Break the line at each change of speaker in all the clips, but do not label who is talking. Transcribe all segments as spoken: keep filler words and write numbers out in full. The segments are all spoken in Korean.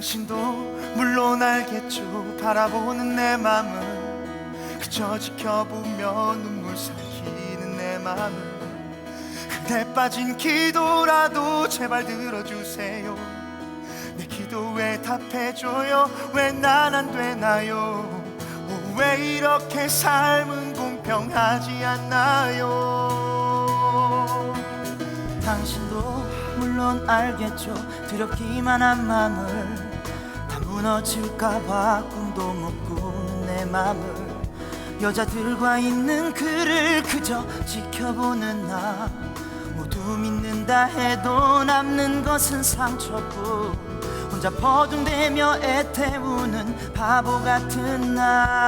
당신도 물론 알겠죠. 바라보는 내 맘은 그저 지켜보며 눈물 삼키는 내 맘은 그대 빠진 기도라도 제발 들어주세요. 내 기도에 답해줘요. 왜 난 안 되나요? 오, 왜 이렇게 삶은 공평하지 않나요?
당신도 물론 알겠죠. 두렵기만 한 맘을 다 무너질까봐 꿈도 못 꾸는 내 맘을 여자들과 있는 그를 그저 지켜보는 나 모두 믿는다 해도 남는 것은 상처뿐 혼자 버둥대며 애태우는 바보 같은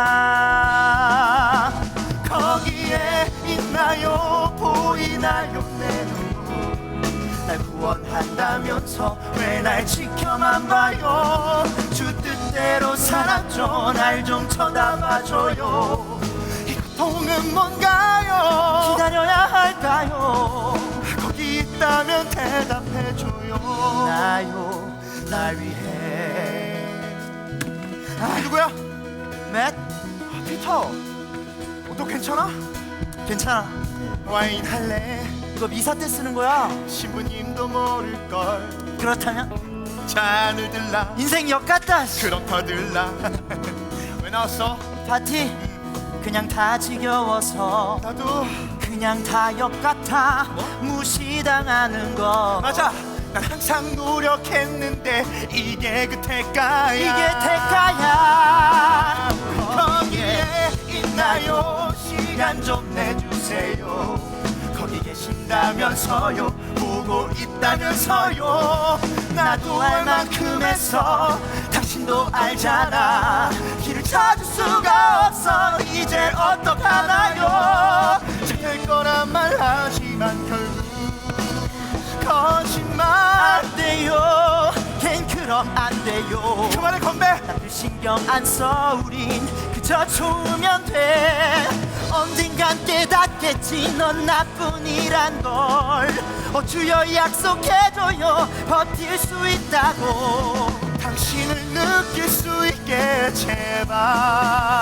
나
거기에 있나요? 보이나요? 내 눈물 날 구원한다면서 왜 날 지켜만 봐요? 주 뜻대로 살았죠. 날 좀 쳐다봐줘요. 이 고통은 뭔가요?
기다려야 할까요?
거기 있다면 대답해줘요.
나요 날 위해.
아, 누구야?
맷?
아, 피터. 어, 너 괜찮아?
괜찮아.
와인 할래?
이거 미사 때 쓰는 거야.
신부님도 모를걸.
그렇다면
잔을 들라.
인생 역 같다.
그럼 더 들라. 왜 나왔어?
파티 그냥 다 지겨워서
나도.
그냥 다 역 같아.
뭐?
무시당하는 거.
맞아. 난 항상 노력했는데 이게 그 대가야.
이게 대가야.
거기에 있나요? 시간 좀 내주세요. 거기 계신다면서요. 보고 있다면서요. 나도 알 만큼 했어. 당신도 알잖아. 길을 찾을 수가 없어. 이제 어떡하나요? 잘 될 거란 말 하지만 결국 거짓말.
안 돼요. 걘 그럼 안 돼요.
그만해 건배.
나를 신경 안 써. 우린 그저 좋으면 돼. 언젠간 깨닫겠지. 넌 나뿐이란 걸. 어 주여 약속해줘요. 버틸 수 있다고.
당신을 느낄 수 있게 제발.